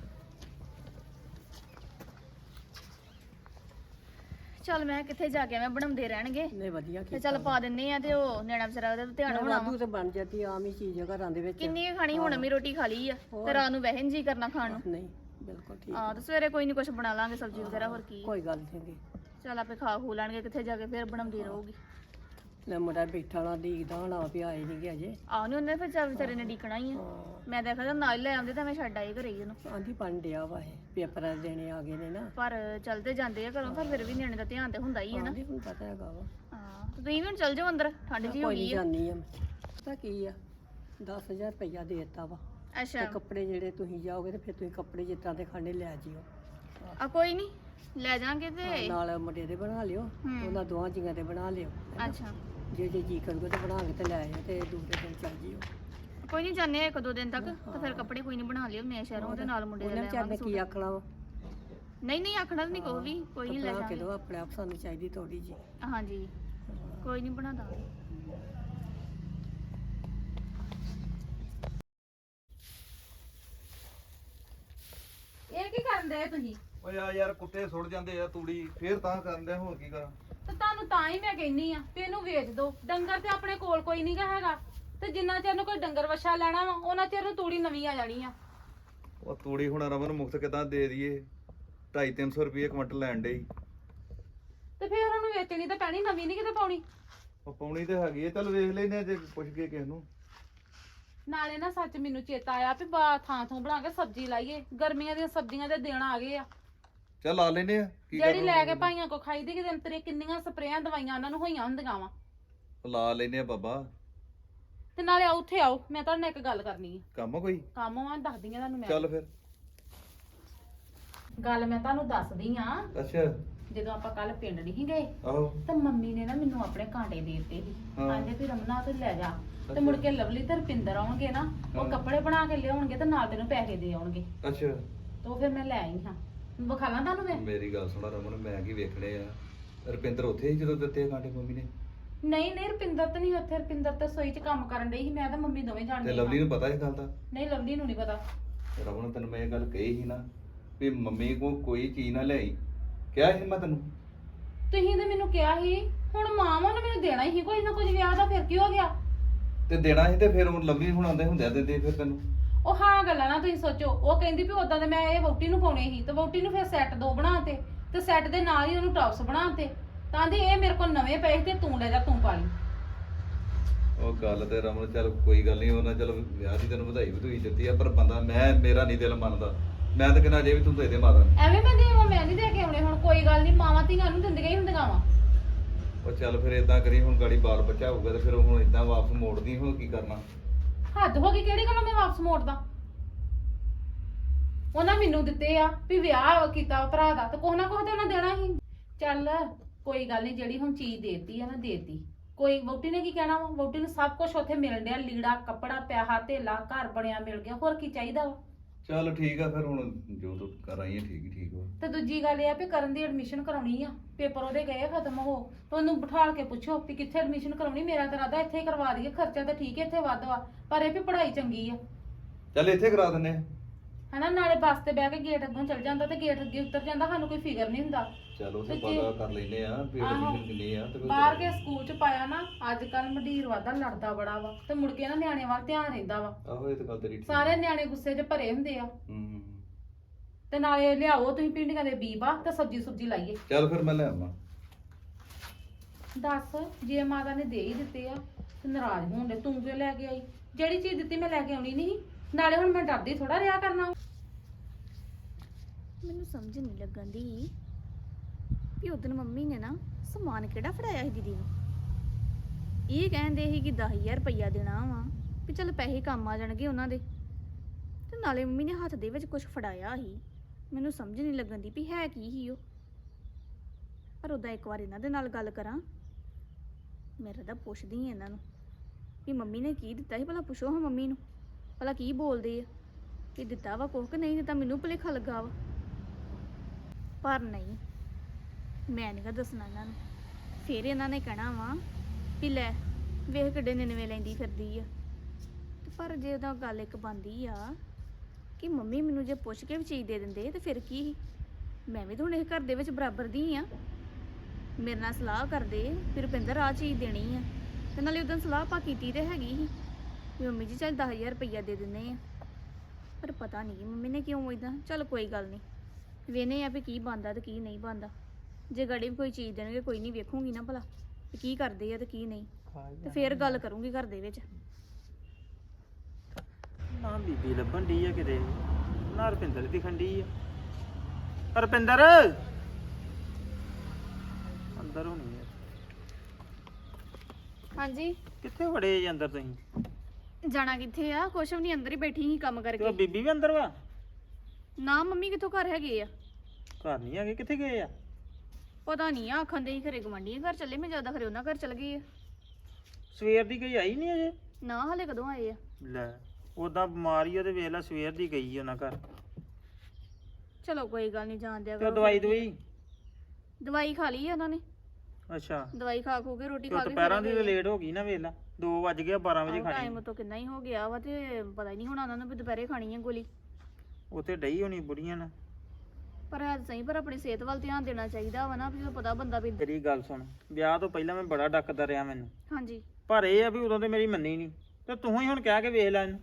ਚੱਲ ਮੈਂ ਕਿੱਥੇ ਜਾ ਕੇ ਮੈਂ ਬਣਾਉਂਦੇ ਰਹਿਣਗੇ ਨਹੀਂ ਵਧੀਆ ਤੇ ਚੱਲ ਪਾ ਦਿੰਨੇ ਆ ਤੇ ਉਹ ਨਿਆਣਾ ਵਿਚਾਰਾ ਉਹਦਾ ਧਿਆਨ ਹੋਣਾ ਵਾ। ਵਾਧੂ ਤੇ ਬਣ ਜਾਂਦੀ ਆਮ ਹੀ ਚੀਜ਼ ਆ ਘਰਾਂ ਦੇ ਵਿੱਚ। ਕਿੰਨੀ ਕੁ ਖਾਣੀ, ਹੁਣ ਮੈਂ ਰੋਟੀ ਖਾ ਲਈ ਆ ਤੇ ਰਾਤ ਨੂੰ ਵਹਿਨ ਜੀ ਕਰਨਾ ਖਾਣ ਨੂੰ। ਨਹੀਂ ਬਿਲਕੁਲ ਠੀਕ ਹਾਂ ਤੇ ਸਵੇਰੇ ਕੋਈ ਨਹੀਂ ਕੁਝ ਬਣਾ ਲਾਂਗੇ ਸਬਜ਼ੀ ਵਗੈਰਾ, ਹੋਰ ਕੀ। ਕੋਈ ਗੱਲ ਨਹੀਂ। ਚੱਲ ਆਪੇ ਖਾ ਖੂ ਲੈਣਗੇ, ਕਿੱਥੇ ਜਾ ਕੇ ਫਿਰ ਬਣਾਉਂਦੀ ਰਹੂਗੀ। ਲੈ ਮੁੰਡਾ ਬੈਠਾ ਨਾ ਦੀਦਾ ਹੋਣਾ ਵੀ ਆਏ ਨਹੀਂ ਗੇ ਅਜੇ। ਆਹ ਨਹੀਂ ਉਹਨੇ ਫਿਰ ਚੱਲ ਵਿਚਾਰੇ ਨੇ ਡੀਕਣਾ ਹੀ ਆ। ਹਾਂ ਮੈਂ ਦੇਖਿਆ ਤਾਂ ਨਾਲ ਹੀ ਲੈ ਆਉਂਦੇ ਤਾਂ ਮੈਂ ਛੱਡ ਆਈ ਘਰੇ ਹੀ ਉਹਨੂੰ। ਆਂਦੀ ਬਣ ਡਿਆ ਵਾ ਇਹ ਪੇਪਰਾਂ ਦੇ ਦੇਣੇ ਆ ਗਏ ਨੇ ਨਾ। ਪਰ ਚਲਦੇ ਜਾਂਦੇ ਆ ਘਰੋਂ, ਪਰ ਫਿਰ ਵੀ ਨਿਆਣੇ ਦਾ ਧਿਆਨ ਤੇ ਹੁੰਦਾ ਹੀ ਹੈ ਨਾ। ਆਂਦੀ ਹੁਣ ਪਤਾ ਹੈਗਾ ਵਾ। ਹਾਂ ਤੇ ਤੁਸੀਂ ਵੀ ਹੁਣ ਚੱਲ ਜਾਓ ਅੰਦਰ, ਠੰਡ ਜੀ ਹੋ ਕੋਈ ਗਈ ਨਹੀਂ ਆ। ਜਾਨੀ ਆ ਪਤਾ ਕੀ ਆ 10,000 ਰੁਪਇਆ ਦੇ ਦਿੱਤਾ ਵਾ ਅੱਛਾ ਤੇ ਕੱਪੜੇ ਜਿਹੜੇ ਤੁਸੀਂ ਜਾਓਗੇ ਤੇ ਫਿਰ ਤੁਸੀਂ ਕੱਪੜੇ ਜਿਸ ਤਰ੍ਹਾਂ ਦੇ ਖਾਣੇ ਲੈ ਜਿਓ। ਆ ਕੋਈ ਨਹੀਂ ਲੈ ਜਾਾਂਗੇ ਤੇ। ਨਾਲ ਮੁੰਡੇ ਦੇ ਬਣਾ ਲਿਓ ਉਹਨਾਂ ਦੋਵਾਂ ਜੀਆਂ ਦੇ ਬਣਾ ਲਿਓ। ਅੱਛਾ ਜੇ ਜੀ ਕਰੂਗਾ ਤੇ ਬਣਾ ਕੇ ਤੇ ਲੈ ਆਇਓ ਤੇ ਦੂਸਰੇ ਦਿਨ ਚੱਲ ਜਿਓ। ਕੋਈ ਨਹੀਂ ਜਾਂਦੇ ਆ 1-2 ਦਿਨ ਤੱਕ ਤੇ ਫਿਰ ਕੱਪੜੇ ਕੋਈ ਨਹੀਂ ਬਣਾ ਲਿਓ ਮੈਂ ਸ਼ਹਿਰੋਂ ਦੇ ਨਾਲ ਮੁੰਡੇ ਦੇ ਉਹਨਾਂ ਲੈ ਵਿਚਾਰ ਨੇ ਆਵਾਂਗੇ। ਕੀ ਆਖਣਾ ਵਾ ਨਹੀਂ ਆਖਣਾ ਨਹੀਂ ਕੋਈ ਵੀ, ਕੋਈ ਨਹੀਂ ਲੈ ਬਣਾ ਕੇ ਜਾਾਂਗੇ। ਦਿਓ ਆਪਣੇ ਆਪ ਸਾਨੂੰ ਚਾਹੀਦੀ ਥੋੜੀ ਜੀ। ਹਾਂਜੀ ਕੋਈ ਨਹੀਂ ਬਣਾ ਦਾਂਗੇ। ਇਹ ਕੀ ਕਰਨ ਦੇ ਤੁਸੀਂ? ਓਏ ਆ ਯਾਰ ਕੁੱਤੇ ਸੁੱਟ ਜਾਂਦੇ ਆ ਤੂੜੀ ਫੇਰ ਤਾਂ ਕਰਨ ਡਿਆ ਹੋਰ ਕੀ ਕਰਾਂ। ਤੇ ਤੁਹਾਨੂੰ ਤਾਂ ਹੀ ਮੈਂ ਕਹਿੰਨੀ ਆ ਵੀ ਇਹਨੂੰ ਵੇਚ ਦੋ। ਡੰਗਰ ਤੇ ਆਪਣੇ ਕੋਲ ਕੋਈ ਨਹੀਂਗਾ ਹੈਗਾ, ਤੇ ਜਿੰਨਾ ਚਿਰ ਨੂੰ ਕੋਈ ਡੰਗਰ ਵੱਛਾ ਲੈਣਾ ਵਾ ਉਹਨਾਂ ਚਿਰ ਨੂੰ ਤੂੜੀ ਨਵੀਂ ਆ ਜਾਣੀ ਆ। ਉਹ ਤੂੜੀ ਹੁਣ ਰਮਨ ਮੁਫਤ ਕਿਦਾਂ ਦੇ ਦਈਏ 250-300 ਰੁਪਏ ਕੁਇੰਟਲ ਲੈਣ ਡਈ। ਤੇ ਫਿਰ ਉਹਨੂੰ ਵੇਚਣੀ ਤਾਂ ਪੈਣੀ, ਨਵੀਂ ਨਹੀਂ ਕਿਤੇ ਪਾਉਣੀ। ਉਹ ਪਾਉਣੀ ਤੇ ਹੈਗੀ ਆ, ਚੱਲ ਵੇਖ ਲੈਨੇ ਜੇ ਪੁੱਛ ਕੇ ਕਿਸ ਨੂੰ। ਨਾਲੇ ਨਾ ਸੱਚ ਮੈਨੂੰ ਚੇਤਾ ਆਇਆ ਵੀ ਥਾਂ ਥੋਂ ਬਣਾ ਕੇ ਸਬਜ਼ੀ ਲਾਈਏ। ਗਰਮੀਆਂ ਦੀਆਂ ਸਬਜ਼ੀਆਂ ਦੇ ਦਿਨ ਆ ਗਏ ਆ। ਚੱਲ ਆ ਲੈਨੇ ਆ ਕੀ ਜਿਹੜੀ ਕਰਨਾ। ਲੈ ਕੇ ਭਾਈਆਂ ਕੋ ਖਾਈ ਦੀ ਕਿਤੇ ਅੰਤਰੇ ਕਿੰਨੀਆਂ ਸਪਰੇਆਂ ਦਵਾਈਆਂ ਉਹਨਾਂ ਨੂੰ ਹੋਈਆਂ ਹੁੰਦੀਆਂ ਵਾ। ਲਾ ਲੈਨੇ ਆ ਬਾਬਾ। ਤੇ ਨਾਲੇ ਉੱਥੇ ਆਓ, ਮੈਂ ਤੁਹਾਡੇ ਨਾਲ ਇੱਕ ਗੱਲ ਕਰਨੀ ਹੈ। ਕੰਮ ਆ ਕੋਈ? ਕੰਮ ਆ ਦੱਸਦੀ ਆ ਤੁਹਾਨੂੰ ਮੈਂ। ਚੱਲ ਫਿਰ। ਗੱਲ ਮੈਂ ਤੁਹਾਨੂੰ ਦੱਸਦੀ ਆ। ਅੱਛਾ ਜਦੋਂ ਆਪਾਂ ਕੱਲ ਪਿੰਡ ਨਹੀਂ ਗਏ ਆਹੋ ਤਾਂ ਮੰਮੀ ਨੇ ਨਾ ਮੈਨੂੰ ਆਪਣੇ ਕਾਂਟੇ ਦੇ ਦਿੱਤੇ ਸੀ। ਹਾਂ। ਕਹਿੰਦੇ ਵੀ ਰਮਨਾ ਤੂੰ ਲੈ ਜਾ ਤੇ ਅੱਛਾ। ਮੁੜ ਕੇ ਲਵਲੀ ਤੇ ਰਪਿੰਦਰ ਆਉਣਗੇ ਨਾ, ਉਹ ਹਾਂ। ਕੱਪੜੇ ਬਣਾ ਕੇ ਲਿਆਉਣਗੇ ਤੇ ਨਾਲ ਤੈਨੂੰ ਪੈਸੇ ਦੇ ਆਉਣਗੇ। ਅੱਛਾ ਤੇ ਉਹ ਫਿਰ ਮੈਂ ਲੈ ਆਈ ਹਾਂ। ਵਿਖਾ ਲਾਂ ਤੁਹਾਨੂੰ ਮੈਂ? ਮੇਰੀ ਗੱਲ ਸੁਣਾ ਰਮਨ, ਮੈਂ ਕੀ ਵੇਖਣੇ ਆ। ਰੁਪਿੰਦਰ ਉੱਥੇ ਹੀ ਜਦੋਂ ਦਿੱਤੇ ਆ ਕਾਂਟੇ ਮੰਮੀ ਨੇ? ਨਹੀਂ ਰਪਿੰਦਰ ਤਾਂ ਨਹੀਂ ਉੱਥੇ। ਰਪਿੰਦਰ ਤਾਂ ਸੋਈ 'ਚ ਕੰਮ ਕਰਨ ਡਈ ਸੀ। ਮੈਂ ਤਾਂ ਮੰਮੀ ਦੋਵੇਂ ਤੇ ਜਾਣਦੇ ਲਵਲੀ ਨੂੰ ਪਤਾ ਇਸ ਗੱਲ ਦਾ? ਨਹੀਂ ਲਵਲੀ ਨੂੰ ਨਹੀਂ ਪਤਾ। ਰਮਨ ਤੈਨੂੰ ਮੈਂ ਇਹ ਗੱਲ ਕਹੀ ਸੀ ਨਾ ਵੀ ਮੰਮੀ ਕੋ ਕੋਈ ਚੀਜ਼ ਨਾ ਲਿਆਈ, ਕਿਹਾ ਸੀ ਮੈਂ ਤੈਨੂੰ। ਤੁਸੀਂ ਤੇ ਮੈਨੂੰ ਕਿਹਾ ਸੀ, ਹੁਣ ਮਾਂ ਵਾ ਨੇ ਮੈਨੂੰ ਦੇਣਾ ਹੀ ਕੋਈ ਨਾ ਕੁਝ ਵਿਆਹ ਦਾ, ਫਿਰ ਕੀ ਹੋ ਗਿਆ? ਤੇ ਦੇਣਾ ਸੀ ਤੇ ਫਿਰ ਹੁਣ ਲਵਲੀ ਹੁਣ ਆਉਂਦੇ ਹੁੰਦੇ ਆ ਦਿੰਦੇ ਫਿਰ ਤੈਨੂੰ। ਉਹ ਹਾਂ ਗੱਲਾਂ ਨਾ ਤੁਸੀਂ ਸੋਚੋ। ਉਹ ਕਹਿੰਦੀ ਵੀ ਉਦਾਂ ਤੇ ਮੈਂ ਇਹ ਵਹੁਟੀ ਨੂੰ ਪਾਉਣੇ ਸੀ ਤੇ ਵਹੁਟੀ ਨੂੰ ਫਿਰ ਸੈੱਟ 2 ਬਣਾਤੇ ਤੇ ਸੈੱਟ ਦੇ ਨਾਲ ਹੀ ਉਹਨੂੰ ਟੌਪਸ ਬਣਾਤੇ। ਤਾਂ ਦੀ ਇਹ ਮੇਰੇ ਕੋਲ ਨਵੇਂ ਪਏ ਤੇ ਤੂੰ ਲੈ ਜਾ, ਤੂੰ ਪਾ ਲਈ। ਉਹ ਗੱਲ ਤੇ ਰਮਨ ਚੱਲ ਕੋਈ ਗੱਲ ਨਹੀਂ, ਉਹਨਾਂ ਚੱਲ ਵਿਆਹ ਦੀ ਤੈਨੂੰ ਵਧਾਈ ਵਧੂਈ ਦਿੱਤੀ ਆ, ਪਰ ਬੰਦਾ ਮੇਰਾ ਨਹੀਂ ਦਿਲ ਮੰਨਦਾ। ਮੈਂ ਤਾਂ ਕਹਿੰਦਾ ਜੇ ਵੀ ਤੂੰ ਦੇ ਦੇ ਮਾਤਾ ਨੂੰ। ਐਵੇਂ ਮੈਂ ਦੇਵਾਂ? ਮੈਂ ਨਹੀਂ ਦੇ ਕੇ ਆਉਣੇ। ਹੁਣ ਕੋਈ ਗੱਲ ਨਹੀਂ, ਮਾਵਾਂ ਧੀਆਂ ਨੂੰ ਦਿੰਦੀਆਂ ਹੀ ਹੁੰਦੀਆਂ ਵਾ। ਉਹ ਚੱਲ ਫਿਰ ਇਦਾਂ ਕਰੀ, ਹੁਣ ਗਾੜੀ ਬਾਲ ਬੱਚਾ ਹੋਊਗਾ ਤੇ ਫਿਰ ਹੁਣ ਇਦਾਂ ਵਾਪਸ ਮੋੜਦੀ ਹੁਣ ਕੀ ਕਰਨਾ। ਹੱਦ ਹੋ ਗਈ, ਕਿਹੜੀ ਗੱਲੋਂ ਮੈਂ ਵਾਪਸ ਮੋੜਦਾ? ਉਹਨਾਂ ਮੈਨੂੰ ਦਿੱਤੇ ਆ ਵੀ ਵਿਆਹ ਕੀਤਾ ਭਰਾ ਦਾ, ਤੇ ਕੁਛ ਨਾ ਕੁਛ ਤੇ ਉਹਨਾਂ ਦੇਣਾ ਹੀ। ਚੱਲ ਕੋਈ ਗੱਲ ਨਹੀਂ, ਜਿਹੜੀ ਹੁਣ ਚੀਜ਼ ਦੇਤੀ ਆ ਨਾ ਦੇਤੀ। ਕੋਈ ਵਹੁਟੀ ਨੇ ਕੀ ਕਹਿਣਾ ਵਾ? ਵਹੁਟੀ ਨੂੰ ਸਭ ਕੁਝ ਉੱਥੇ ਮਿਲਣ ਡਿਆ, ਲੀੜਾ ਕੱਪੜਾ ਪਿਆਹਾ ਧੇਲਾ ਘਰ ਬਣਿਆ ਮਿਲ ਗਿਆ, ਹੋਰ ਕੀ ਚਾਹੀਦਾ ਵਾ? ਚੱਲ ਠੀਕ ਆ ਫਿਰ, ਹੁਣ ਜੋ ਤੂੰ ਕਰ ਆਈ ਹੈ ਠੀਕ ਵਾ। ਤੇ ਦੂਜੀ ਗੱਲ ਇਹ ਆ ਵੀ ਕਰਨ ਦੀ ਐਡਮਿਸ਼ਨ ਕਰਾਉਣੀ ਆ। ਪੇਪਰ ਉਹਦੇ ਗਏ ਆ ਖਤਮ ਹੋ, ਤੇ ਉਹਨੂੰ ਬਿਠਾਲ ਕੇ ਪੁੱਛੋ ਵੀ ਕਿੱਥੇ ਐਡਮਿਸ਼ਨ ਕਰਾਉਣੀ। ਮੇਰਾ ਤਾਂ ਇਰਾਦਾ ਇੱਥੇ ਹੀ ਕਰਵਾ ਦਈਏ। ਖਰਚਾ ਤਾਂ ਠੀਕ ਹੈ ਇੱਥੇ ਵੱਧ ਵਾ, ਪਰ ਇਹ ਵੀ ਪੜ੍ਹਾਈ ਚੰਗੀ ਆ। ਚੱਲ ਇੱਥੇ ਕਰਾ ਦਿੰਨੇ ਆ। ਹਨਾ, ਨਾਲੇ ਬੱਸ ਤੇ ਬਹਿ ਕੇ ਗੇਟ ਅੱਗੋਂ ਚੱਲ ਜਾਂਦਾ ਤੇ ਗੇਟ ਅੱਗੇ ਉਤਰ ਜਾਂਦਾ, ਸਾਨੂੰ ਕੋਈ ਫਿਕਰ ਨਹੀਂ ਹੁੰਦਾ। ਚੱਲ ਉੱਥੇ ਤੇ ਪਤਾ ਕਰ ਲੈਨੇ ਆ ਵੀ ਆਹੋ। ਐਡਮਿਸ਼ਨ ਕਿੰਨੀ ਆ ਤੇ ਫਿਰ ਬਾਹਰ ਕੇ ਸਕੂਲ ਚ ਪਾਇਆ ਨਾ, ਅੱਜ ਕੱਲ ਮੰਡੀਰ ਵਾਦਾ ਲੜਦਾ ਬੜਾ ਵਾ, ਤੇ ਮੁੜ ਕੇ ਨਾ ਨਿਆਣਿਆਂ ਵੱਲ ਧਿਆਨ ਰਹਿੰਦਾ ਵਾ। ਆਹੋ ਇਹ ਤਾਂ ਗੱਲ ਤੇਰੀ ਠੀਕ ਸਾਰੇ ਨਿਆਣੇ ਗੁੱਸੇ 'ਚ ਭਰੇ ਹੁੰਦੇ ਆ। ਹੂੰ ਤੇ ਨਾਲੇ ਲਿਆਓ ਤੁਸੀਂ ਭਿੰਡੀਆਂ ਦੇ ਬੀਬਾ ਤੇ ਸਬਜੀ ਸੁਬਜੀ ਲਾਈਏ। ਚੱਲ ਫਿਰ ਮੈਂ ਲੈ ਆਵਾਂ। ਦੱਸ, ਜੇ ਮਾਤਾ ਨੇ ਦੇ ਹੀ ਦਿੱਤੇ ਆ ਤੇ ਨਾਰਾਜ਼ ਹੋਣ ਦੇ, ਤੂੰ ਕਿਉਂ ਲੈ ਕੇ ਆਈ? ਜਿਹੜੀ ਚੀਜ਼ ਦਿੱਤੀ ਮੈਂ ਲੈ ਕੇ ਆਉਣੀ ਨਹੀਂ। ਨਾਲੇ ਹੁਣ ਮੈਂ ਡਰਦੀ ਥੋੜਾ ਰਿਹਾ ਕਰਨਾ। ਮੈਨੂੰ ਸਮਝ ਨਹੀਂ ਲੱਗਣ ਦੀ ਵੀ ਉਦੋਂ ਮੰਮੀ ਨੇ ਨਾ ਸਮਾਨ ਕਿਹੜਾ ਫੜਾਇਆ ਸੀ ਦੀਦੀ ਨੂੰ। ਇਹ ਕਹਿੰਦੇ ਸੀ ਕਿ 10,000 ਰੁਪਈਆ ਦੇਣਾ ਵਾ ਵੀ ਚੱਲ ਪੈਸੇ ਕੰਮ ਆ ਜਾਣਗੇ ਉਹਨਾਂ ਦੇ, ਤੇ ਨਾਲੇ ਮੰਮੀ ਨੇ ਹੱਥ ਦੇ ਵਿੱਚ ਕੁਝ ਫੜਾਇਆ ਸੀ। ਮੈਨੂੰ ਸਮਝ ਨਹੀਂ ਲੱਗਣ ਦੀ ਵੀ ਹੈ ਕੀ ਸੀ ਉਹ। ਪਰ ਉਦਾਂ ਇੱਕ ਵਾਰ ਇਹਨਾਂ ਦੇ ਨਾਲ ਗੱਲ ਕਰਾਂ, ਮੇਰਾ ਤਾਂ ਪੁੱਛਦੀ ਹਾਂ ਇਹਨਾਂ ਨੂੰ ਵੀ ਮੰਮੀ ਨੇ ਕੀ ਦਿੱਤਾ ਸੀ। ਭਲਾ ਪੁੱਛੋ ਹਾਂ ਮੰਮੀ ਨੂੰ, ਭਲਾ ਕੀ ਬੋਲਦੇ ਆ, ਕਿ ਦਿੱਤਾ ਵਾ ਕੁਛ ਕਿ ਨਹੀਂ ਦਿੱਤਾ। ਮੈਨੂੰ ਭੁਲੇਖਾ ਲੱਗਾ ਵਾ, ਪਰ ਨਹੀਂ, ਮੈਂ ਨਹੀਂ ਗਾ ਦੱਸਣਾ ਇਹਨਾਂ ਨੂੰ। ਫਿਰ ਇਹਨਾਂ ਨੇ ਕਹਿਣਾ ਵਾ ਵੀ ਲੈ ਵੇਖ ਕਿੱਡੇ ਨਿਨਵੇ ਲੈਂਦੀ ਫਿਰਦੀ ਆ। ਤੇ ਪਰ ਜੇ ਉਹਦਾ ਗੱਲ ਇੱਕ ਬਣਦੀ ਆ ਕਿ ਮੰਮੀ ਮੈਨੂੰ ਜੇ ਪੁੱਛ ਕੇ ਵੀ ਚੀਜ਼ ਦੇ ਦਿੰਦੇ ਤੇ ਫਿਰ ਕੀ? ਮੈਂ ਵੀ ਤਾਂ ਹੁਣ ਇਹ ਘਰ ਦੇ ਵਿੱਚ ਬਰਾਬਰ ਦੀ ਆ। ਮੇਰੇ ਨਾਲ ਸਲਾਹ ਕਰਦੇ ਫਿਰ ਰੁਪਿੰਦਰ ਆਹ ਚੀਜ਼ ਦੇਣੀ ਆ, ਤੇ ਨਾਲੇ ਉਦੋਂ ਸਲਾਹ ਆਪਾਂ ਕੀਤੀ ਤੇ ਹੈਗੀ ਸੀ ਵੀ ਮੰਮੀ ਜੀ ਚੱਲ 10,000 ਰੁਪਈਆ ਦੇ ਦਿੰਦੇ ਆ। ਪਰ ਪਤਾ ਨਹੀਂ ਮੰਮੀ ਨੇ ਕਿਉਂ ਇਦਾਂ। ਚੱਲ ਕੋਈ ਗੱਲ ਨਹੀਂ, ਵੇਨੇ ਆ ਵੀ ਕੀ ਬਣਦਾ ਤੇ ਕੀ ਨਹੀਂ ਬਣਦਾ। ਜੇ ਗਾੜੀ ਵੀ ਕੋਈ ਚੀਜ਼ ਦੇਣਗੇ ਕੋਈ ਨਹੀਂ, ਵੇਖੂਗੀ ਨਾ ਭਲਾ ਵੀ ਕੀ ਕਰਦੇ ਆ ਤੇ ਕੀ ਨਹੀਂ। ਖਾ ਹੀ ਤੇ ਜਾਣਾ। ਫੇਰ ਗੱਲ ਕਰੂੰਗੀ ਘਰ ਦੇ ਵਿੱਚ। ਨਾ ਬੀਬੀ ਲੱਭਣ ਡਈ ਆ ਕਿਤੇ, ਨਾ ਰੁਪਿੰਦਰ ਦਿਖਣ ਡਈ ਆ। ਰੁਪਿੰਦਰ ਅੰਦਰ ਹੋਣੀ ਆ। ਹਾਂਜੀ, ਕਿੱਥੇ ਵੜੇ ਜੀ ਅੰਦਰ ਤੁਸੀਂ? ਜਾਣਾ ਕਿੱਥੇ ਆ? ਕੁਛ ਵੀ ਨਹੀਂ, ਅੰਦਰ ਹੀ ਬੈਠੀ ਸੀ ਕੰਮ ਤੇ ਉਹ ਕਰਕੇ। ਬੀਬੀ ਵੀ ਅੰਦਰ ਵਾ? ਨਾ ਮੰਮੀ ਕਿੱਥੋਂ ਘਰ ਹੈਗੇ ਆ? ਘਰ ਨਹੀਂ ਹੈਗੇ, ਕਿੱਥੇ ਗਏ ਆ? ਪਤਾ ਨਹੀਂ ਆ, ਆਖਣ ਦੇ ਹੀ ਘਰੇ ਗਵਾਂਢੀਆਂ ਘਰ ਚੱਲੇ, ਮੈਂ ਜ਼ਿਆਦਾ ਖਰੇ ਉਹਨਾਂ ਘਰ ਚੱਲ ਗਈ ਆ। ਸਵੇਰ ਦੀ ਗਈ ਆਈ ਨਹੀਂ ਅਜੇ? ਨਾ ਹਲੇ ਕਦੋਂ ਆਏ ਆ? ਲੈ ਉਦਾਂ ਬਿਮਾਰੀ ਉਹਦੇ ਵੇਖ ਲੈ, ਸਵੇਰ ਦੀ ਗਈ ਆ ਉਹਨਾਂ ਘਰ। ਚਲੋ ਕੋਈ ਗੱਲ ਨਹੀਂ, ਜਾਣ ਦਿਆ ਤੇ ਉਹ ਕਰੋ। ਦਵਾਈ ਦਵਾਈ? ਦਵਾਈ ਖਾ ਲਈ ਆ ਉਹਨਾਂ ਨੇ। ਅੱਛਾ, ਦਵਾਈ ਖਾ ਖੂ ਕੇ ਰੋਟੀ ਤੇ ਖਾ ਉਹ ਕੇ ਦੁਪਹਿਰਾਂ ਦੀ ਲੇਟ ਹੋ ਗਈ ਨਾ, ਵੇਖ ਲੈ 2 ਵੱਜ ਗਏ, 12 ਵਜੇ ਖਾਣੀ। ਟਾਈਮ ਤੋਂ ਕਿੰਨਾ ਹੀ ਹੋ ਗਿਆ ਵਾ, ਤੇ ਪਤਾ ਹੀ ਨਹੀਂ ਹੋਣਾ ਉਹਨਾਂ ਨੂੰ ਵੀ ਦੁਪਹਿਰੇ ਖਾਣੀ ਆ ਗੋਲੀ। ਉੱਥੇ ਡਈ ਹੋਣੀ ਬੁੜੀਆਂ ਨਾਲ। ਪਰ ਹੈ ਤਾਂ ਸਹੀ, ਪਰ ਆਪਣੀ ਸਿਹਤ ਵੱਲ ਧਿਆਨ ਦੇਣਾ ਚਾਹੀਦਾ ਵਾ ਨਾ, ਵੀ ਜਦੋਂ ਪਤਾ ਬੰਦਾ ਵੀ। ਮੇਰੀ ਗੱਲ ਸੁਣ, ਵਿਆਹ ਤੋਂ ਪਹਿਲਾਂ ਮੈਂ ਬੜਾ ਡੱਕਦਾ ਰਿਹਾ ਮੈਨੂੰ, ਹਾਂਜੀ, ਪਰ ਇਹ ਆ ਵੀ ਉਦੋਂ ਤੇ ਮੇਰੀ ਮੰਨੀ ਨਹੀਂ, ਤੇ ਤੂੰ ਹੀ ਹੁਣ ਕਹਿ ਕੇ ਵੇਖ ਲੈ ਇਹਨੂੰ।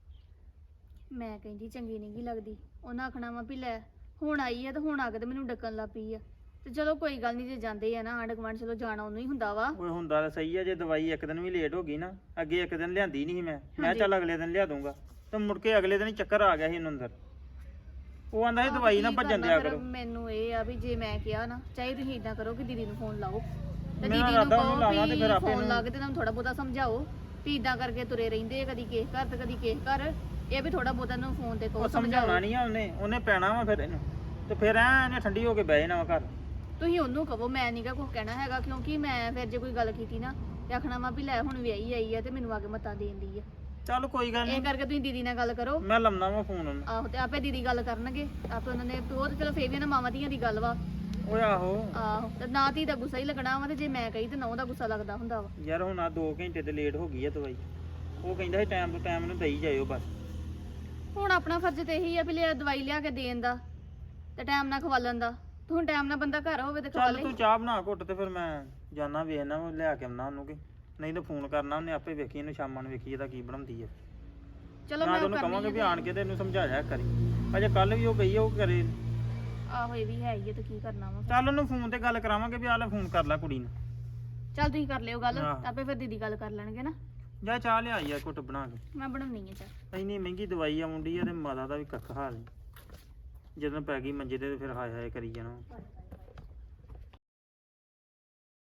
ਮੈਂ ਕਹਿੰਦੀ ਚੰਗੀ ਨਹੀਂ ਗੀ ਲੱਗਦੀ। ਉਹਨਾਂ ਆਖਣਾ ਵਾ ਵੀ ਲੈ ਹੁਣ ਆਈ ਆ ਤੇ ਹੁਣ ਆ ਕੇ ਤੇ ਮੈਨੂੰ ਡੱਕਣ ਲੱਗ ਪਈ ਆ। ਤੇ ਚਲੋ ਕੋਈ ਗੱਲ ਨਹੀਂ, ਜੇ ਜਾਂਦੇ ਆ ਨਾ ਆਂਢ ਗੁਆਂਢ, ਚਲੋ ਜਾਣਾ ਉਹਨੂੰ ਹੀ ਹੁੰਦਾ ਵਾ। ਓਏ ਹੁੰਦਾ ਤਾਂ ਸਹੀ ਆ, ਜੇ ਦਵਾਈ ਇੱਕ ਦਿਨ ਵੀ ਲੇਟ ਹੋ ਗਈ ਨਾ, ਅੱਗੇ ਇੱਕ ਦਿਨ ਲਿਆਂਦੀ ਨਹੀਂ ਸੀ ਮੈਂ ਹਾਂਜੀ। ਚੱਲ ਅਗਲੇ ਦਿਨ ਲਿਆ ਦੂੰਗਾ, ਤੇ ਮੁੜ ਕੇ ਅਗਲੇ ਦਿਨ ਹੀ ਚੱਕਰ ਆ ਗਿਆ ਸੀ ਇਹਨੂੰ ਅੰਦਰ। ਉਹ ਆਂਦਾ ਸੀ ਦਵਾਈ ਨਾ ਕੀ ਭੱਜਣ ਕਰਨਾ ਦਿਆ ਫਿਰ? ਕਰੋ। ਮੈਨੂੰ ਇਹ ਆ ਵੀ ਜੇ ਮੈਂ ਕਿਹਾ ਨਾ, ਚਾਹੇ ਤੁਸੀਂ ਇਦਾਂ ਕਰੋ ਕਿ ਦੀਦੀ ਨੂੰ ਫੋਨ ਲਾਓ, ਤੇ ਮੈਂ ਦੀਦੀ ਨੂੰ ਇਰਾਦਾ ਉਹਨੂੰ ਕਹੋ ਲਾਵਾਂ ਤੇ ਫਿਰ ਵੀ ਆਪੇ ਫੋਨ ਨੂੰ- ਲਾ ਕੇ ਤੇ ਤੁਹਾਨੂੰ ਥੋੜਾ ਬਹੁਤਾ ਸਮਝਾਓ ਵੀ ਇਦਾਂ ਕਰਕੇ ਤੁਰੇ ਰਹਿੰਦੇ ਆ, ਕਦੀ ਕਿਸੇ ਘਰ ਤੇ ਕਦੀ ਕਿਸੇ ਘਰ। ਇਹ ਵੀ ਥੋੜਾ ਬਹੁਤਾ ਨੂੰ ਫੋਨ ਤੇ ਕਹੋ, ਉਹ ਸਮਝਾਉਣਾ ਸਮਝਾਓ। ਨਹੀਂ ਆ ਉਹਨੇ ਪੈਣਾ ਵਾ ਫਿਰ ਇਹਨੂੰ, ਤੇ ਫਿਰ ਐ ਇਹਨੇ ਠੰਡੀ ਹੋ ਕੇ ਬਹਿ ਜਾਣਾ ਵਾ ਘਰ। ਤੁਸੀਂ ਉਹਨੂੰ ਕਹੋ, ਮੈਂ ਨਹੀਂਗਾ ਕੁਝ ਕਹਿਣਾ ਹੈਗਾ, ਕਿਉਂਕਿ ਮੈਂ ਫਿਰ ਜੇ ਕੋਈ ਗੱਲ ਕੀਤੀ ਨਾ ਤੇ ਆਖਣਾ ਵਾ ਵੀ ਲੈ ਹੁਣ ਵਿਆਹੀ ਆਈ ਆ ਤੇ ਮੈਨੂੰ ਆ ਕੇ ਮਤਾਂ ਦੇਣ ਦੀ ਆ। ਚੱਲ ਕੋਈ ਗੱਲ ਇਹ ਨਹੀਂ, ਕਰਕੇ ਤੁਸੀਂ ਦੀਦੀ ਨਾਲ ਗੱਲ ਕਰੋ। ਮੈਂ ਲੰਮਣਾ ਵਾ ਫੋਨ ਉਹਨੂੰ। ਆਹੋ, ਤੇ ਆਪੇ ਦੀਦੀ ਗੱਲ ਕਰਨਗੇ, ਆਪੇ ਉਹਨਾਂ ਨੇ ਉਹ ਤੇ ਚਲੋ ਫੇਰ ਵੀ ਨਾ ਮਾਵਾਂ ਧੀਆਂ ਦੀ ਗੱਲ ਵਾ। ਓਏ ਆਹੋ ਆਹੋ, ਤੇ ਨਾ ਧੀ ਦਾ ਗੁੱਸਾ ਹੀ ਲੱਗਣਾ ਵਾ, ਤੇ ਜੇ ਮੈਂ ਕਹੀ ਤੇ ਨਾ ਉਹਦਾ ਗੁੱਸਾ ਲੱਗਦਾ ਹੁੰਦਾ ਵਾ। ਯਾਰ, ਹੁਣ ਆ 2 ਘੰਟੇ ਤੇ ਲੇਟ ਹੋ ਗਈ ਆ ਦਵਾਈ। ਉਹ ਕਹਿੰਦਾ ਸੀ ਟਾਈਮ ਤੋਂ ਟਾਈਮ ਇਹਨੂੰ ਦੇਈ ਜਾਇਓ ਬਸ। ਹੁਣ ਆਪਣਾ ਫਰਜ਼ ਤੇ ਇਹੀ ਆ ਵੀ ਲਿਆ ਦਵਾਈ ਲਿਆ ਕੇ ਦੇਣ ਦਾ ਤੇ ਟਾਈਮ ਨਾਲ ਖਵਾਲਣ ਦਾ। ਤੇ ਹੁਣ ਟਾਈਮ ਨਾਲ ਬੰਦਾ ਘਰ ਹੋਵੇ ਤੇ ਖਵਾ ਚੱਲ ਲੇ। ਤੂੰ ਚਾਹ ਬਣਾ ਘੁੱਟ, ਤੇ ਫਿਰ ਮੈਂ ਜਾਣਾ ਵੇਖਣਾ, ਉਹ ਲਿਆ ਕੇ ਆਉਣਾ ਉਹਨੂੰ, ਕਿ ਨਹੀਂ ਤਾਂ ਫੋਨ ਕਰਨਾ ਉਹਨੇ ਆਪੇ। ਵੇਖੀ ਇਹਨੂੰ ਸ਼ਾਮਾਂ ਨੂੰ, ਵੇਖੀ ਇਹਦਾ ਕੀ ਬਣਾਉਂਦੀ ਹੈ। ਚਲੋ ਮੈਂ ਮੈਂ ਤਾਂ ਉਹਨੂੰ ਕਰਨੀ ਕਹਾਂਗਾ ਵੀ ਆ ਆਣ ਕੇ ਤੇ ਇਹਨੂੰ ਸਮਝਾਇਆ ਕਰੀ। ਅਜੇ ਕੱਲ ਵੀ ਉਹ ਗਈ ਆ, ਉਹ ਕਰੇ। ਆਹੋ, ਇਹ ਵੀ ਹੈ ਹੀ ਆ, ਤੇ ਕੀ ਕਰਨਾ ਵਾ। ਚੱਲ ਉਹਨੂੰ ਫੋਨ ਤੇ ਗੱਲ ਕਰਾਵਾਂਗੇ ਵੀ ਆ ਲੈ ਫੋਨ ਕਰ ਲੈ ਕੁੜੀ ਨੂੰ। ਚੱਲ ਤੁਸੀਂ ਕਰ ਲਿਓ ਗੱਲ, ਆਹ। ਆਪੇ ਫਿਰ ਦੀਦੀ ਗੱਲ ਕਰ ਲੈਣਗੇ ਨਾ। ਜਾ ਚਾਹ ਲਿਆਈ ਆ ਘੁੱਟ ਬਣਾ ਕੇ। ਮੈਂ ਬਣਾਉਣੀ ਆ ਚਾਹ। ਇੰਨੀ ਮਹਿੰਗੀ ਦਵਾਈ ਆ ਮੁੰਡੀ ਆ, ਤੇ ਮਾਤਾ ਦਾ ਵੀ ਕੱਖ ਹਾਲ ਨਹੀਂ। ਜਦੋਂ ਪੈ ਗਈ ਮੰਜੇ ਤੇ ਫਿਰ ਹਾਏ ਹਾਏ ਕਰੀ ਜਾਣਾ।